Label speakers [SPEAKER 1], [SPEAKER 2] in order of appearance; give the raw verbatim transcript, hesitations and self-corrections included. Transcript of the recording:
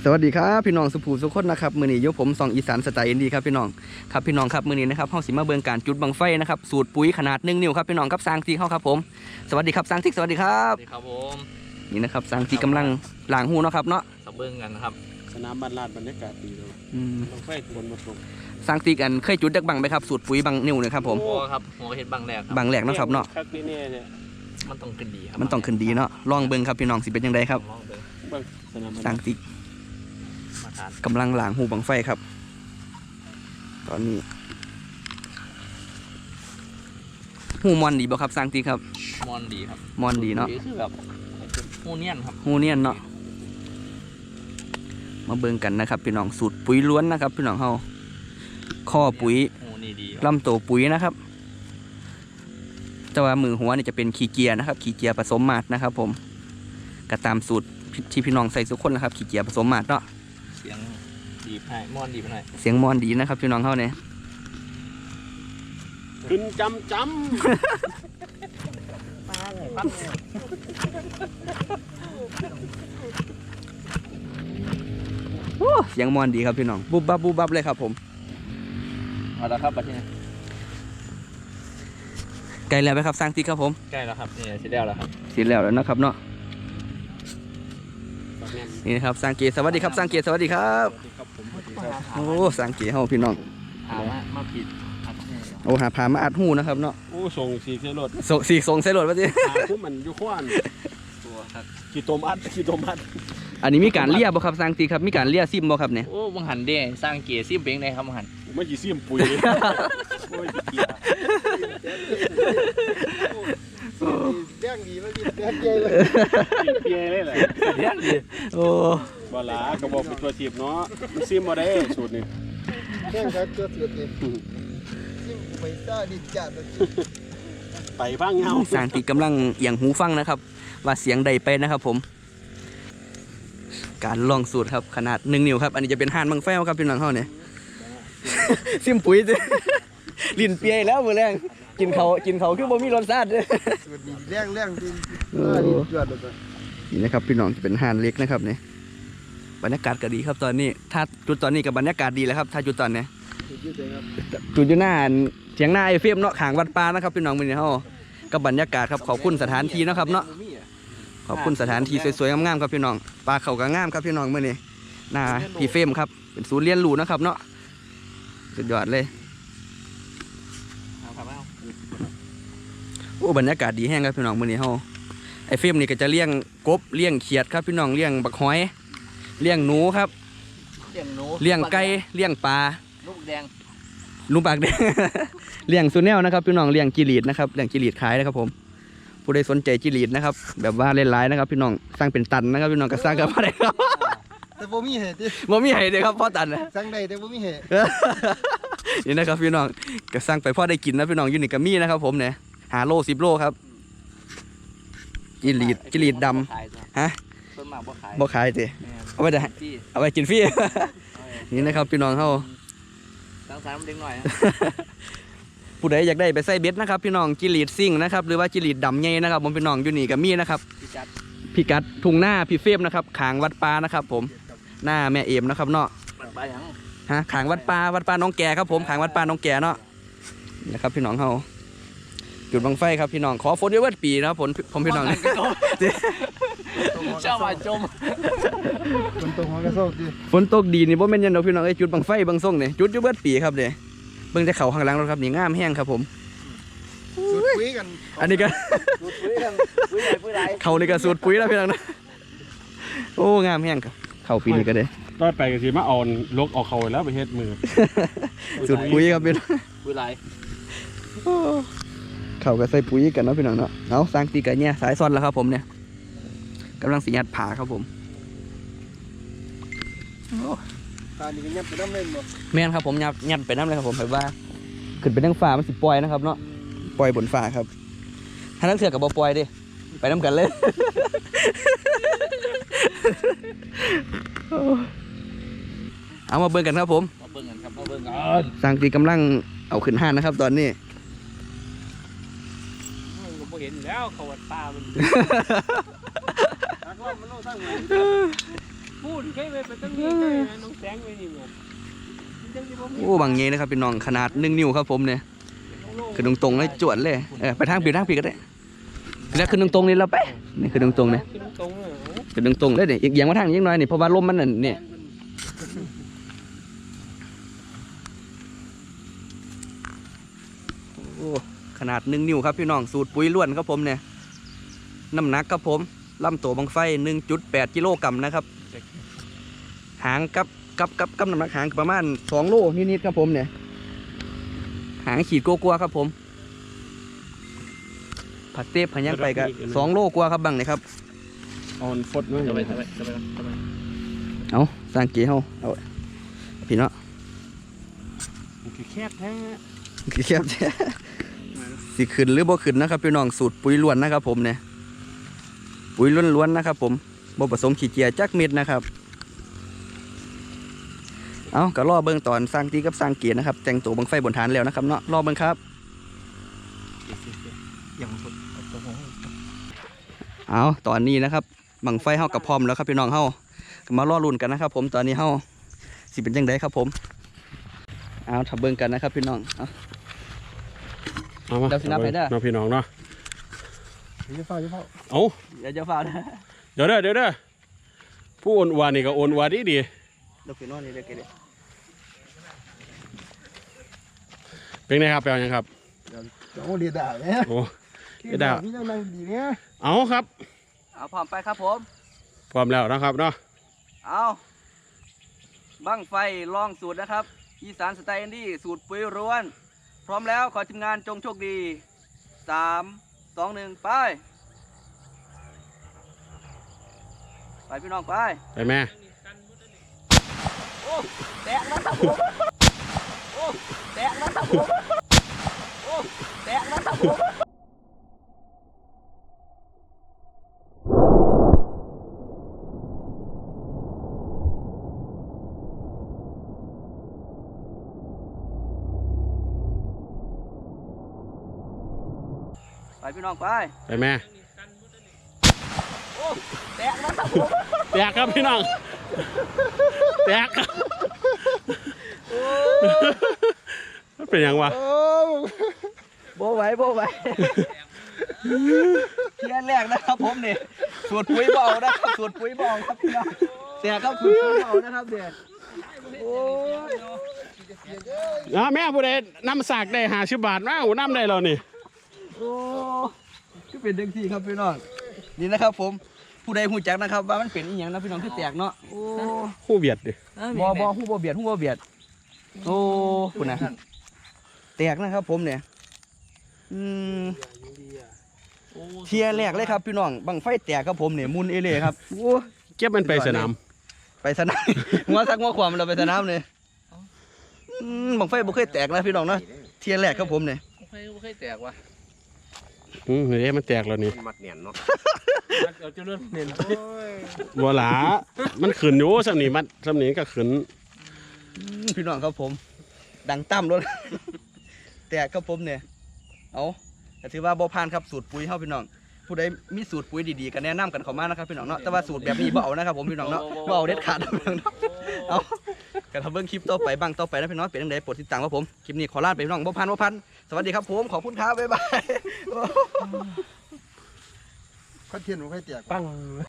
[SPEAKER 1] วัสดีครับพี่น้องสุภูสุขคนนะครับมือนี้ยกผมส่องอีสานสไตล์อินดีครับพี่น้องครับพี่น้องครับมือนี้นะครับเฮาสิมาเบิ่งการจุดบังไฟนะครับสูตรปุ๋ยขนาดหนึ่งนิ้วครับพี่น้องครับสร้างที่เข้าครับผมสวัสดีครับสร้างที่สวัสดีครับ
[SPEAKER 2] สวัสดีครับผม
[SPEAKER 1] นี่นะครับสร้างที่กำลังล้างหูเนาะครับเนาะ
[SPEAKER 2] สับเบิ้งกันนะครับ
[SPEAKER 3] สนามบ้านลาดบรรยากาศดีเลยบังไฟฝนมาตก
[SPEAKER 1] สร้างที่กันเคยจุดดักบังไหมครับสูตรปุ๋ยบังนิ้วนะครับผม
[SPEAKER 2] โอ้ครับหัวเห็ดบังแรกครับ
[SPEAKER 1] บังแหลกเนาะครับเนาะ
[SPEAKER 3] คักนี่เนี่ย
[SPEAKER 2] มันต้องขึ้นดีครับ
[SPEAKER 1] มันต้องขึ้นดีเนาะลองเบิ่งครับพี่น้องสิเป็นยังไงครับสร้างที่กำลังล้างหูบังไฟครับตอนนี้หูมอนดีบ่ครับสร้างที่ครับ
[SPEAKER 2] มอนดีครับ
[SPEAKER 1] มอนดีเนาะ
[SPEAKER 2] คือแบบหูเนียนครับ
[SPEAKER 1] หูเนียนเนาะมาเบิ่งกันนะครับพี่น้องสูตรปุ๋ยล้วนนะครับพี่น้องเฮาข้อปุ๋ยลำโตปุ๋ยนะครับแต่ว่ามือหัวนี่จะเป็นขี้เกียร์นะครับขี้เกียร์ผสมมาดนะครับผมก็ตามสูตรที่พี่น้องใส่ทุกคนนะครับขี้เกียร์ผสมมาดเนาะ
[SPEAKER 2] เสียงดีบให้มอนดีบให้
[SPEAKER 1] เสียงมอนดีนะครับพี่น้องเฮาเนี่ย
[SPEAKER 3] ขึ้นจำจำ
[SPEAKER 2] มาเลยปั๊บ
[SPEAKER 1] โอ้เสียงมอนดีครับพี่น้องบุบบับบุบบับเลยครับผม
[SPEAKER 2] เอาละครับบัดนี้
[SPEAKER 1] ใกล้แล้วไหมครับสร้างที่ครับผม
[SPEAKER 2] ใกล้แล้วครับนี่เสร็จแล้วแล้วครับ
[SPEAKER 1] เสร็จแล้วแล้วนะครับเนาะนี่นะครับสร้างเกียร์สวัสดีครับสร้างเกียร์สวัสดีครับโอ้สร้างเกียร์เฮาพี่น้อง
[SPEAKER 2] หามามาผิด
[SPEAKER 1] โอ้หาพามาอัดหูนะครับเนาะ
[SPEAKER 3] โอ้ส่งสีเซลด
[SPEAKER 1] ส่งสีส่งเซลดวะจี
[SPEAKER 3] หาคู่มันอยู่ขวานตัวครับกี่ตัวมัดกี่ตัวมัด
[SPEAKER 1] อันนี้มีการเลี้ยบ่ครับสร้างตีครับมีการเลี้ยซิมบ่ครับเนี่ย
[SPEAKER 2] โอ้บังหันเด้สร้างเกียร์ซิมเป็นไงครับบังหัน
[SPEAKER 3] ไม่กี่ซิมปุ๋ยโอ้ยเกียร์เลี้ยงดีมากินเลี้ยงเจเลยเกียร์เลยแหละ
[SPEAKER 1] เลี้ยงดีโอ้
[SPEAKER 3] บอลากระบอกเป็นตัวจีบเนาะมันซิมมาได้สูตรนี้
[SPEAKER 4] เลี้ยงครับตัวจีบเองซิมไปซ่าดิจัด
[SPEAKER 3] ไปบ้างเงา
[SPEAKER 1] สร้างตีกำลังอย่างหูฟังนะครับว่าเสียงใดไปนะครับผมการลองสูตรครับขนาดหนึ่งนิ้วครับอันนี้จะเป็นห่านบังไฟครับพี่น้องเขาเนี่ยซิมปุ๋ยลิ้นเปียแล้วมือแรงกินเขากินเขาคือบ่มีรสชาติเลย
[SPEAKER 4] สูตรนี้เลี้ยงเลี้ยงจริง
[SPEAKER 1] นี่นะครับพี่น้องจะเป็นห่านเล็กนะครับเนี่ยบรรยากาศก็ดีครับตอนนี้ถ้าจุดตอนนี้กับบรรยากาศดีแล้วครับถ้าจุดตอนนี้จุดอยู่หน้าเถียงหน้าไอเฟมเนาะขางวัดปลานะครับพี่น้องมือเนี่ยเขากับบรรยากาศครับขอบคุณสถานที่นะครับเนาะขอบคุณสถานที่สวยๆงามๆครับพี่น้องปลาเขาก็งามครับพี่น้องมื่อนี้หน้าพี่เฟมครับเป็นศูนย์เรียนรู้นะครับเนาะสุดยอดเลยโอ้บรรยากาศดีแห้งครับพี่น้องมื่อนี้เฮาไอเฟมนี่ก็จะเลี้ยงกบเลี้ยงเขียดครับพี่น้องเลี้ยงบักหอยเลี้ยงหนูครับ
[SPEAKER 2] เลี้ยงหนู
[SPEAKER 1] เลี้ยงไก่เลี้ยงปลา
[SPEAKER 2] ลูกแดง
[SPEAKER 1] ลูกปากแดงเลี้ยงซูเนลนะครับพี่น้องเลี้ยงจิลีดนะครับเลี้ยงจิลีดขายนะครับผมผู้ใดสนใจจิลีดนะครับแบบว่าเล่นร้ายนะครับพี่น้องสร้างเป็นตันนะครับพี่น้องก็สร้างกันมาได้ครับ
[SPEAKER 4] แต่บ่มีเหตุ
[SPEAKER 1] บ่มีเหตุเลยครับพ่อตันนะ
[SPEAKER 4] สร้างได้แต่บ่มีเหตุ
[SPEAKER 1] นี่นะครับพี่น้องก็สร้างไปพ่อได้กินนะพี่น้องยูนิกามี่นะครับผมเนี่ยหาโลสิบโลครับจิลีดจิลีดดำฮะบ่ขายสิเอาไปจะเอาไปกินฟรีนี่นะครับพี่น้องเขา
[SPEAKER 2] ตั้งสามเด็กหน่อย
[SPEAKER 1] ผู้ใดอยากได้ไปใส่เบ็ดนะครับพี่น้องจิลีดซิ่งนะครับหรือว่าจิลีดดำใหญ่นะครับผมพี่น้องยูนิกามี่นะครับพี่กัดทุ่งหน้าพี่เฟมนะครับขางวัดปลานะครับผมหน้าแม่เอมนะครับเนาะฮะขางวัดปลาวัดปลาน้องแก่ครับผมขางวัดปลาน้องแก่เนาะนะครับพี่น้องเขาจุดบังไฟครับพี่น้องขอฝนเยอะๆปีนะครับผมผมพี่น้อง
[SPEAKER 2] เจ้ามาจม
[SPEAKER 4] ฝนตกหัวกระโซกดิ
[SPEAKER 1] ฝนตกดีนี่บ่แม่นยันดอกพี่น้องไอ้จุดบังไฟบางส่งเนี่ยจุดเยอะๆปีครับเด้เบิ่งจะเข่าข้างหลังแล้วครับนี่งามแห้งครับผม
[SPEAKER 4] สูตรปุ๋ยกัน
[SPEAKER 1] อันนี้ก็เขานี่ก็สูตรปุ๋ยแล้วพี่น้องนะโอ้งามแห้งครับเข่าปีนี้ก็ได้
[SPEAKER 3] ตอนไปก็สิมาอ่อนลกออกเขาแล้วไปเฮ็ดมือ
[SPEAKER 1] สูตรปุ๋ยครับพี่น้อง
[SPEAKER 2] ปุ๋ยไหล
[SPEAKER 1] เขาก็ใส่ปุ๋ยกันเนาะพี่น้องเนาะเอาสร้างตีกันเนี่ยสายซ้อนแล้วครับผมเนี่ยกำลังสียัดผ่าครับผม
[SPEAKER 4] ตานี่ก็ยัดไปน้ำเล่นบ่
[SPEAKER 1] แม่นครับผมยัดยัดไปน้ำเลยครับผมแบบว่าขึ้นไปทั้งฝ่ามันสิปล่อยนะครับเนาะปล่อยบนฝ่าครับถ้านักเสือกับบอปล่อยดิไปน้ำกันเลยเอามาเบิ่งกันครับผม
[SPEAKER 2] มาเบิ่งกันครับมาเบิ่งกัน
[SPEAKER 1] สร้างตีกำลังเอาขึ้นห้านนะครับตอนนี้
[SPEAKER 2] เห็นแล้วเขาวัดปลามันพูดแค่ไปไปตั้งนี้แค่น้องแสงไปนี่หมด
[SPEAKER 1] โอ้บางเงี้ยนะครับพี่น้องขนาดหนึ่งนิ้วครับผมเนี่ยคือตรงๆเลยจวดเลยเออไปทางผิดทางผิดก็ได้แล้วคือตรงๆนี่เราไปนี่คือตรงๆเนี่ย
[SPEAKER 2] ขึ้นตรงเลย
[SPEAKER 1] คือตรงๆเลยเนี่ยอีกอย่างมาทางยิ่งน้อยนี่เพราะว่าลมมันนั่นเนี่ยโอ้ขนาดหนึ่งนิ้วครับพี่น้องสูตรปุ๋ยล้วนครับผมเนี่ยน้ำหนักครับผมลำตัวบังไฟ หนึ่งจุดแปด กิโลกรัมนะครับหางกับกับกับกับน้ำหนักหางประมาณสองโลนิดๆครับผมเนี่ยหางขีดกลัวๆครับผมผัดเทปผัดย่างไปกันสองโลกว่าครับบังเนี่ยครับ
[SPEAKER 3] ออนฟดมั้ย
[SPEAKER 2] จะไปจะไปจะไปจะไป
[SPEAKER 1] เอาสร้างเกียร์เฮาเอาพี่เนาะ
[SPEAKER 2] คือแคบแท้
[SPEAKER 1] คือแคบแท้สิขึ้นหรือบ่ขึ้นนะครับพี่น้องสูตรปุ๋ยล้วนนะครับผมเนี่ยปุ๋ยล้วนๆนะครับผมบ่ผสมขี้เกียจจักเม็ดนะครับเอาก็รอเบิ่งตอนสร้างตีกับสร้างเกียร์นะครับแต่งตัวบังไฟบนฐานแล้วนะครับเนาะรอเบิ่งครับ
[SPEAKER 3] อย่างฟด
[SPEAKER 1] เอาตอนนี้นะครับบังไฟเฮากับพร้อมแล้วครับพี่น้องเฮาก็มารอลุ้นกันนะครับผมตอนนี้เฮาสิเป็นจังไดครับผมเอาถ้าเบิ่งกันนะครับพี่น้องเอา
[SPEAKER 3] เอามา
[SPEAKER 1] เดี๋ยวสินับให้เด้อ
[SPEAKER 3] น้องพี่น้องเนาะ
[SPEAKER 4] ยี่เฝ้ายี่เฝ้า
[SPEAKER 3] เอา
[SPEAKER 1] เดี๋ยวจะฟ้าวนะ
[SPEAKER 3] เดี๋ยวเด้อเดี๋ยวเด้อผู้โอนวานี่ก็โอนวาดีดี
[SPEAKER 1] เดี๋ยวพี่น้องนี่เดี๋ยวเกเร
[SPEAKER 3] เป็นไงครับแปลว่ายังครับ
[SPEAKER 4] โอ้เดียดด่าเนี่ย
[SPEAKER 3] โอ้เดียดด่า
[SPEAKER 4] พี่ยังนั่งดีเนี่ย
[SPEAKER 3] เอาครับ
[SPEAKER 1] เอาพร้อมไปครับผม
[SPEAKER 3] พร้อมแล้วนะครับเนาะ
[SPEAKER 1] เอาบังไฟลองสูตรนะครับอีสานสไตล์อินดี้สูตรปุ๋ยร้วน พร้อมแล้วขอทีมงานจงโชคดีสามสองหนึ่งไปไปพี่น้องไป
[SPEAKER 3] ไปแม่
[SPEAKER 1] แตกแล้วครับผมโอ้แตกแล้วครับผมโอ้แตกแล้วครับผมไปพี่น้องไป
[SPEAKER 3] ไปแม่
[SPEAKER 1] โอ้แตกแล้วครับผม
[SPEAKER 3] แตกครับพี่น้องแตกครับเป็นยังวะ
[SPEAKER 4] โอ้
[SPEAKER 1] โบไหวโบไหวเทียนแรกนะครับผมเนี่ยสูตรปุ๋ยเบานะครับสูตรปุ๋ยเบาครับพี่น้องแตกครับสูตรปุ๋ยเบานะครับเด็ดโอ้ย
[SPEAKER 3] อ่ะแม่ผู้ใดนำสากได้หาชิบบาทมาหูนำได้แล้วนี่
[SPEAKER 1] โอ้ก็เป็นเด็กที่ครับพี่น้องนี่นะครับผมผู้ใดหูจักนะครับว่ามันเป็นอีหยังนะพี่น้องที่แตกเนาะโอ้
[SPEAKER 3] คู่เบียดดิ
[SPEAKER 1] บอบอหูบอเบียดหูบอเบียดโอ้คุณนะแตกนะครับผมเนี่ยอืมเทียแรกเลยครับพี่น้องบังไฟแตกครับผมเนี่ยมุนเอเล่ครับโอ้
[SPEAKER 3] เก็บมันไปสนาม
[SPEAKER 1] ไปสนาม หัวซักหัวความเราไปสนามเลยอืมบังไฟบ่เคยแตกนะพี่น้องเนาะเทียแรกครับผมเนี่ย
[SPEAKER 2] ไม่เคยไม่เคยแตกว่ะ
[SPEAKER 3] อืมเดี๋ยวมันแตกแล้วนี่
[SPEAKER 2] มัดเนียนเนาะเราจะเริ่มเนียน
[SPEAKER 3] บัวหลามันขืนอยู่สำนีมันสำนีก็ขืน
[SPEAKER 1] อืมพี่น้องครับผม ดังตั้มรถ แตกครับผมเนี่ยเอาแต่ถือว่าบ่ผ่านครับสูตรปุ๋ยเฮาพี่น้องผู้ใดมีสูตรปุ๋ยดีๆก็แนะนำกันเข้ามานะครับพี่น้องเนาะแต่ว่าสูตรแบบนี้บ่เอานะครับผมพี่น้องเนาะบ่เอาเด็ดขาดนะพี่น้องเนาะเอากันทำเบิ่งคลิปต่อไปบ้างต่อไปนะพี่น้องเป็นจังได๋โปรดติดตามครับผมคลิปนี้ขอลาไปพี่น้องบ่ผ่านบ่ผ่านสวัสดีครับผมขอบคุณครับบ๊ายบาย
[SPEAKER 4] ข้าเทียนผมให้แตก
[SPEAKER 2] ปัง